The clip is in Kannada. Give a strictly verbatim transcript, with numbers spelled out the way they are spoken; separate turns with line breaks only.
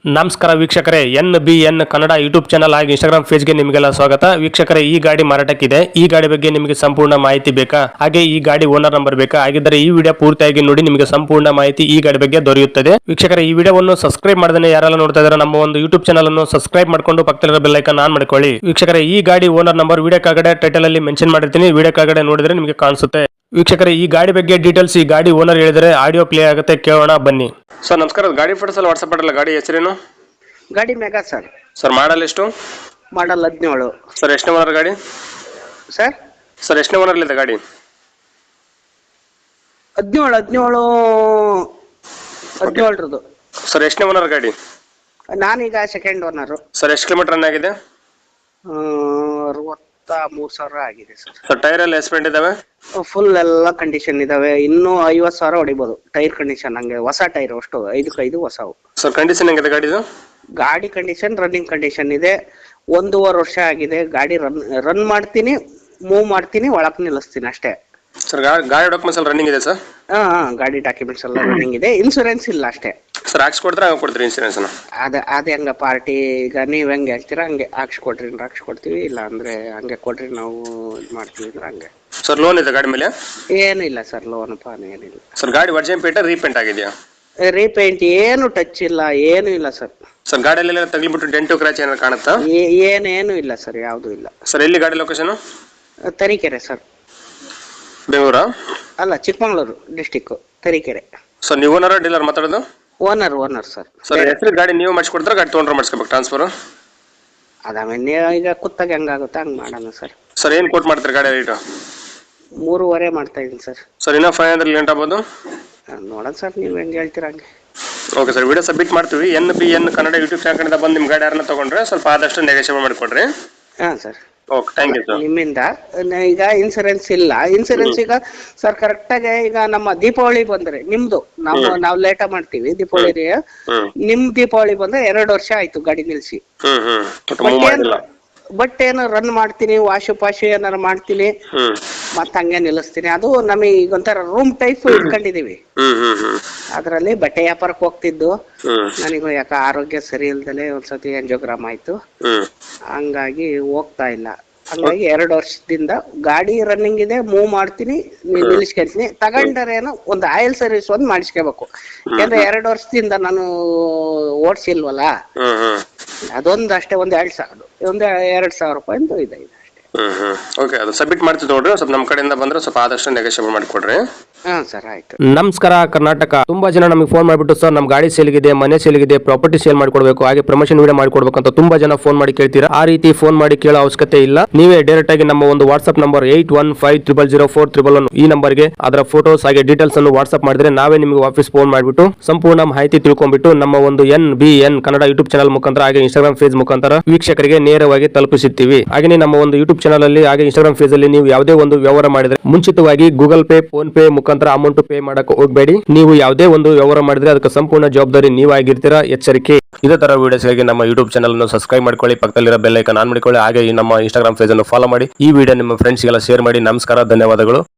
ನಮಸ್ಕಾರ ವೀಕ್ಷಕರೇ, N B N Kannada YouTube channel ಹಾಗೂ ಇನ್ಸ್ಟಾಗ್ರಾಮ್ ಪೇಜ್ಗೆ ನಿಮಗೆಲ್ಲ ಸ್ವಾಗತ. ವೀಕ್ಷಕರೇ, ಈ ಗಾಡಿ ಮಾರಾಟಕ್ಕಿದೆ. ಈ ಗಾಡಿ ಬಗ್ಗೆ ನಿಮಗೆ ಸಂಪೂರ್ಣ ಮಾಹಿತಿ ಬೇಕಾ, ಹಾಗೆ ಈ ಗಾಡಿ ಓನರ್ ನಂಬರ್ ಬೇಕಾ? ಹಾಗಿದ್ದರೆ ಈ ವಿಡಿಯೋ ಪೂರ್ತಿಯಾಗಿ ನೋಡಿ, ನಿಮಗೆ ಸಂಪೂರ್ಣ ಮಾಹಿತಿ ಈ ಗಾಡಿ ಬಗ್ಗೆ ದೊರೆಯುತ್ತದೆ. ವೀಕ್ಷಕರೇ, ಈ ವಿಡಿಯೋವನ್ನು ಸಬ್ಸ್ಕ್ರೈಬ್ ಮಾಡದೇ ಯಾರೆಲ್ಲ ನೋಡ್ತಾ ಇದ್ದಾರೆ ನಮ್ಮ ಒಂದು ಯೂಟ್ಯೂಬ್ ಚಾನಲ್ ಅನ್ನು ಸಬ್ಸ್ಕ್ರೈಬ್ ಮಾಡ್ಕೊಂಡು ಪಕ್ಕದಲ್ಲಿರೋ ಬೆಲ್ ಐಕಾನ್ ಆನ್ ಮಾಡ್ಕೊಳ್ಳಿ. ವೀಕ್ಷಕರೇ, ಈ ಗಾಡಿ ಓನರ್ ನಂಬರ್ ವಿಡಿಯೋ ಕೆಳಗಡೆ ಟೈಟಲ್ ಅಲ್ಲಿ ಮೆನ್ಷನ್ ಮಾಡಿರ್ತೀನಿ, ವಿಡಿಯೋ ಕೆಳಗಡೆ ನೋಡಿದ್ರೆ ನಿಮಗೆ ಕಾಣಿಸುತ್ತೆ. ವೀಕ್ಷಕರೇ, ಈ ಗಾಡಿ ಬಗ್ಗೆ ಡೀಟೇಲ್ಸ್ ಈ ಗಾಡಿ ಓನರ್ ಹೇಳಿದರೆ ಆಡಿಯೋ ಪ್ಲೇ ಆಗುತ್ತೆ, ಕೇಳೋಣ ಬನ್ನಿ. ಸರ್ ನಮಸ್ಕಾರ, ಗಾಡಿ ಫೋಟೋಸ್ ಅಲ್ಲಿ ವಾಟ್ಸ್ಆಪ್ ಮಾಡಲ್ಲ, ಗಾಡಿ ಹೆಸರೇನು?
ಗಾಡಿ ಮೆಗಾ ಸರ್.
ಸರ್ ಮಾಡಲ್ ಎಷ್ಟು?
ಮಾಡಲ್ ಹದಿನೇಳು.
ಸರ್ ಎಷ್ಟನೇ ಓನರ್ ಗಾಡಿ?
ಸರ್
ಸರ್ ಎಷ್ಟನೇ ಓನರ್ ಇದೆ ಗಾಡಿ?
ಹದಿನೇಳು ಹದಿನೇಳು ಹದಿನೇಳರದು.
ಸರ್ ಎಷ್ಟನೇ ಓನರ್ ಗಾಡಿ?
ನಾನೀಗ ಸೆಕೆಂಡ್ ಓನರು.
ಸರ್ ಎಷ್ಟು ಕಿಲೋಮೀಟರ್ ರನ್ ಆಗಿದೆ?
ಅರವತ್ತ ಮೂರು ಸಾವಿರ ಆಗಿದೆ ಸರ್.
ಸರ್ ಟೈರ್ ಎಲ್ಲ ಎಸ್ಪೆಂಟ್ ಇದಾವೆ?
ಫುಲ್ ಎಲ್ಲ ಕಂಡೀಷನ್ ಇದಾವೆ. ಇನ್ನೂ ಐವತ್ತು ಸಾವಿರ ಹೊಡಿಬೋದು. ಟೈರ್ ಕಂಡೀಷನ್ ಹಂಗೆ ಹೊಸ ಟೈರ್ ಅಷ್ಟು ಐದಕ್ಕೆ ಐದು ಹೊಸವು.
ಸರ್ ಕಂಡೀಷನ್ ಹೆಂಗಿದೆ ಗಾಡಿದು?
ಗಾಡಿ ಕಂಡೀಷನ್ ರನ್ನಿಂಗ್ ಕಂಡೀಷನ್ ಇದೆ. ಒಂದೂವರೆ ವರ್ಷ ಆಗಿದೆ ಗಾಡಿ. ರನ್ ರನ್ ಮಾಡ್ತೀನಿ, ಮೂವ್ ಮಾಡ್ತೀನಿ, ಒಳಕ್ ನಿಲ್ಲಿಸ್ತೀನಿ ಅಷ್ಟೇ.
ಸರ್ ಗಾಡಿ ಡಾಕ್ಯುಮೆಂಟ್ಸ್ ಎಲ್ಲ ರನ್ನಿಂಗ್ ಇದೆ ಸರ್?
ಹಾ ಗಾಡಿ ಡಾಕ್ಯುಮೆಂಟ್ಸ್ ಎಲ್ಲ ರನ್ನಿಂಗ್ ಇದೆ. ಇನ್ಸೂರೆನ್ಸ್ ಇಲ್ಲ ಅಷ್ಟೇ.
ಸರ್ ಹಾಕ್ಸ್ಕೊಡ್ತಾರೆ ಹಂಗೆ ಕೊಡ್ತೀರಿ ಇನ್ಸೂರೆನ್ಸ್?
ಅದ ಅದೇ ಹಂಗ ಪಾರ್ಟಿ ಈಗ ನೀವ್ ಹೆಂಗೆ ಹೇಳ್ತೀರಾ ಹಂಗೆ ಹಾಕ್ಸ್ಕೊಡ್ರಿ ಅಂದ್ರೆ ಹಾಕ್ಸ್ಕೊಡ್ತೀವಿ, ಇಲ್ಲ ಅಂದ್ರೆ ಹಂಗೆ ಕೊಡ್ರಿ ನಾವು ಇದು ಮಾಡ್ತೀವಿ ಅಂದ್ರೆ ಹಂಗೆ.
ಸರ್ ಲೋನ್ ಇದೆ ಗಾಡಿ ಮೇಲೆ?
ಏನು ಇಲ್ಲ ಸರ್, ಲೋನ್ ಪಾನ್ ಏನಿಲ್ಲ.
ಸರ್ ಗಾಡಿ ವರ್ಜಿನ್ ಪೇಂಟ್ ರೀಪೇಂಟ್ ಆಗಿದೆಯಾ?
ರೀಪೇಂಟ್ ಏನು ಟಚ್ ಇಲ್ಲ, ಏನು ಇಲ್ಲ ಸರ್.
ಸರ್ ಗಾಡಿಯಲ್ಲೆಲ್ಲ ತಗ್ಲಿಬಿಟ್ಟು ಡೆಂಟು ಕ್ರಾಚ್ ಏನಾದ್ರು ಕಾಣುತ್ತಾ?
ಏನೇನು ಇಲ್ಲ ಸರ್, ಯಾವುದು ಇಲ್ಲ.
ಸರ್ ಎಲ್ಲಿ ಗಾಡಿ ಲೊಕೇಶನ್?
ತರೀಕೆರೆ ಸರ್.
ಬೆಂಗಳೂರಾ?
ಅಲ್ಲ, ಚಿಕ್ಕಮಗಳೂರು ಡಿಸ್ಟಿಕ್, ತರೀಕೆರೆ.
ಸರ್ ನೀವು ಓನರ್ ಡೀಲರ್ ಮಾತಾಡೋದು?
Owner owner sir.
ಸರ್ ಹೆಸರು ಗಾಡಿ ನೀವು ಮಾಡಿಸ್ಕೊಡ್ತಾರೆ, ಗಾಡಿ ತೊಗೊಂಡ್ರೆ ಮಾಡಿಸ್ಕೋಬೇಕು ಟ್ರಾನ್ಸ್ಫರ್?
ಅದಾಮೇಲೆ ಈಗ ಕುತ್ತಾಗ ಹೆಂಗಾಗುತ್ತೆ ಹಂಗೆ ಮಾಡೋಣ ಸರ್.
ಸರ್ ಏನು ಕೋಟ್ ಮಾಡ್ತಾರೆ ಗಾಡಿ ರೇಟು?
ಮೂರುವರೆ ಮಾಡ್ತಾ ಇದ್ದೀನಿ ಸರ್.
ಸರ್ ಇನ್ನೂ ಫೈವ್ ಹಂಡ್ರೆಡ್ ಲೇಟ್ ಆಗ್ಬೋದು?
ನೋಡೋಣ ಸರ್, ನೀವು ಹೆಂಗೆ ಹೇಳ್ತೀರ ಹಂಗೆ.
ಓಕೆ ಸರ್, ವಿಡಿಯೋ ಸಬ್ಮಿಟ್ ಮಾಡ್ತೀವಿ. N B N Kannada YouTube channel ಕಡೆಯಿಂದ ಬಂದು ನಿಮ್ಮ ಗಾಡಿ ಯಾರನ್ನ ತೊಗೊಂಡ್ರೆ ಸ್ವಲ್ಪ ಆದಷ್ಟು ನೆಗೋಷಿಯೇಟ್ ಮಾಡಿಕೊಡ್ರಿ.
ಹಾಂ sir.
Okay, thank you sir.
ನಿಮ್ಮಿಂದ ಈಗ ಇನ್ಸೂರೆನ್ಸ್ ಇಲ್ಲ. ಇನ್ಸೂರೆನ್ಸ್ ಈಗ ಸರ್ ಕರೆಕ್ಟಾಗಿ ಈಗ ನಮ್ಮ ದೀಪಾವಳಿ ಬಂದ್ರೆ ನಿಮ್ದು ನಾವು ನಾವು ಲೇಟ ಮಾಡ್ತೀವಿ ದೀಪಾವಳಿ. ನಿಮ್ ದೀಪಾವಳಿ ಬಂದ್ರೆ ಎರಡು ವರ್ಷ ಆಯ್ತು ಗಾಡಿ ನಿಲ್ಸಿ. ಬಟ್ ಏನು ರನ್ ಮಾಡ್ತೀನಿ, ವಾಶು ಪಾಶು ಏನಾರು ಮಾಡ್ತೀನಿ, ಮತ್ತ ಹಂಗೆ ನಿಲ್ಲಿಸ್ತೀನಿ. ಅದು ನಮಗೆ ಈಗ ಒಂಥರ ರೂಮ್ ಟೈಪ್ ಇಟ್ಕೊಂಡಿದೀವಿ. ಅದ್ರಲ್ಲಿ ಬಟ್ಟೆ ವ್ಯಾಪಾರಕ್ಕೆ ಹೋಗ್ತಿದ್ದು, ನನಗೂ ಯಾಕ ಆರೋಗ್ಯ ಸರಿ ಇಲ್ದಲೆ ಒಂದ್ಸತಿ ಎಂಜೋಗ್ರಾಮ್ ಆಯ್ತು, ಹಂಗಾಗಿ ಹೋಗ್ತಾ ಇಲ್ಲ. ಹಂಗಾಗಿ ಎರಡು ವರ್ಷದಿಂದ ಗಾಡಿ ರನ್ನಿಂಗ್ ಇದೆ, ಮೂವ್ ಮಾಡ್ತೀನಿ, ನಿಲ್ಲಿಸ್ಕೊಂತೀನಿ. ತಗೊಂಡರೇನು ಒಂದು ಆಯಿಲ್ ಸರ್ವಿಸ್ ಒಂದು ಮಾಡಿಸ್ಕೋಬೇಕು. ಯಾಕಂದ್ರೆ ಎರಡು ವರ್ಷದಿಂದ ನಾನು ಓಡಿಸಿಲ್ವಲ್ಲ, ಅದೊಂದು ಅಷ್ಟೇ. ಒಂದ್ ಎರಡ್ ಸಾವಿರ ಒಂದ್ ಎರಡ್ ಸಾವಿರ ರೂಪಾಯಿ ಇದೆ ಇದೆ ಅಷ್ಟೇ.
ಹ್ಮ್ ಹ್ಮ್ ಓಕೆ, ಅದು ಸಬ್ಮಿಟ್ ಮಾಡ್ತೀವಿ ನೋಡ್ರಿ. ಸ್ವಲ್ಪ ನಮ್ಮ ಕಡೆಯಿಂದ ಬಂದ್ರೆ ಸ್ವಲ್ಪ ಆದಷ್ಟು ನೆಗೋಷಿಯೇಟ್ ಮಾಡಿಕೊಡ್ರಿ.
ಹಾ ಸರ್, ಆಯ್ತು.
ನಮಸ್ಕಾರ ಕರ್ನಾಟಕ. ತುಂಬಾ ಜನ ನಮಗೆ ಫೋನ್ ಮಾಡಿಬಿಟ್ಟು ಸರ್ ನಮ್ಮ ಗಾಡಿ ಸೇಲ್ಗಿದೆ, ಮನೆ ಸೇಲ್ಗಿದೆ, ಪ್ರಾಪರ್ಟಿ ಸೇಲ್ ಮಾಡ್ಕೊಡ್ಬೇಕು, ಹಾಗೆ ಪ್ರಮೋಷನ್ ವಿಡಿಯೋ ಮಾಡ್ಕೊಡ್ಬೇಕು ಅಂತ ತುಂಬಾ ಜನ ಫೋನ್ ಮಾಡಿ ಕೇಳ್ತೀರಾ. ಆ ರೀತಿ ಫೋನ್ ಮಾಡಿ ಕೇಳೋ ಅವಶ್ಯಕತೆ ಇಲ್ಲ. ನೀವೇ ಡೈರೆಕ್ಟ್ ಆಗಿ ನಮ್ಮ ಒಂದು WhatsApp number eight one five triple zero four triple one ಈ ನಂಬರ್ಗೆ ಅದರ ಫೋಟೋಸ್ ಹಾಗೆ ಡೀಟೇಲ್ಸ್ ಅನ್ನು ವಾಟ್ಸ್ಆಪ್ ಮಾಡಿದ್ರೆ ನಾವೇ ನಿಮಗೆ ವಾಪಸ್ ಫೋನ್ ಮಾಡಿಬಿಟ್ಟು ಸಂಪೂರ್ಣ ಮಾಹಿತಿ ತಿಳ್ಕೊಂಡ್ಬಿಟ್ಟು ನಮ್ಮ ಒಂದು N B N Kannada YouTube channel ಮುಖಾಂತರ ಹಾಗೆ ಇನ್ಸ್ಟಾಗ್ರಾಮ್ ಪೇಜ್ ಮುಖಾಂತರ ವೀಕ್ಷಕರಿಗೆ ನೇರವಾಗಿ ತಲುಪಿಸುತ್ತೀವಿ. ಹಾಗೆ ನಮ್ಮ ಒಂದು ಯೂಟ್ಯೂಬ್ ಚಾನಲ್ ಅಲ್ಲಿ ಹಾಗೆ ಇನ್ಸ್ಟಾಗ್ರಾಮ್ ಪೇಜ್ ಅಲ್ಲಿ ನೀವು ಯಾವುದೇ ಒಂದು ವ್ಯವಹಾರ ಮಾಡಿದ್ರೆ ಮುಂಚಿತವಾಗಿ ಗೂಗಲ್ ಪೇ, ಫೋನ್ ಪೇ ಮುಖಾಂತರ ಅಮೌಂಟ್ ಪೇ ಮಾಡಕ್ಕೆ ಹೋಗಬೇಡಿ. ನೀವು ಯಾವುದೇ ಒಂದು ವ್ಯವಹಾರ ಮಾಡಿದ್ರೆ ಅದಕ್ಕೆ ಸಂಪೂರ್ಣ ಜವಾಬ್ದಾರಿ ನೀವಾಗಿರ್ತೀರಾ, ಎಚ್ಚರಿಕೆ. ಇದೇ ತರ ವಿಡಿಯೋಸ್ಗಾಗಿ ನಮ್ಮ ಯೂಟ್ಯೂಬ್ ಚಾನಲ್ ಅನ್ನು ಸಬ್ಸ್ಕ್ರೈಬ್ ಮಾಡ್ಕೊಳ್ಳಿ, ಪಕ್ಕದಲ್ಲಿರೋ ಬೆಲ್ ಐಕಾನ್ ಆನ್ ಮಾಡ್ಕೊಳ್ಳಿ, ಹಾಗೆ ನಮ್ಮ ಇನ್ಸ್ಟಾಗ್ರಾಮ್ ಪೇಜ್ ಅನ್ನು ಫಾಲೋ ಮಾಡಿ. ಈ ವಿಡಿಯೋ ನಿಮ್ಮ ಫ್ರೆಂಡ್ಸ್ಗೆಲ್ಲ ಶೇರ್ ಮಾಡಿ. ನಮಸ್ಕಾರ, ಧನ್ಯವಾದಗಳು.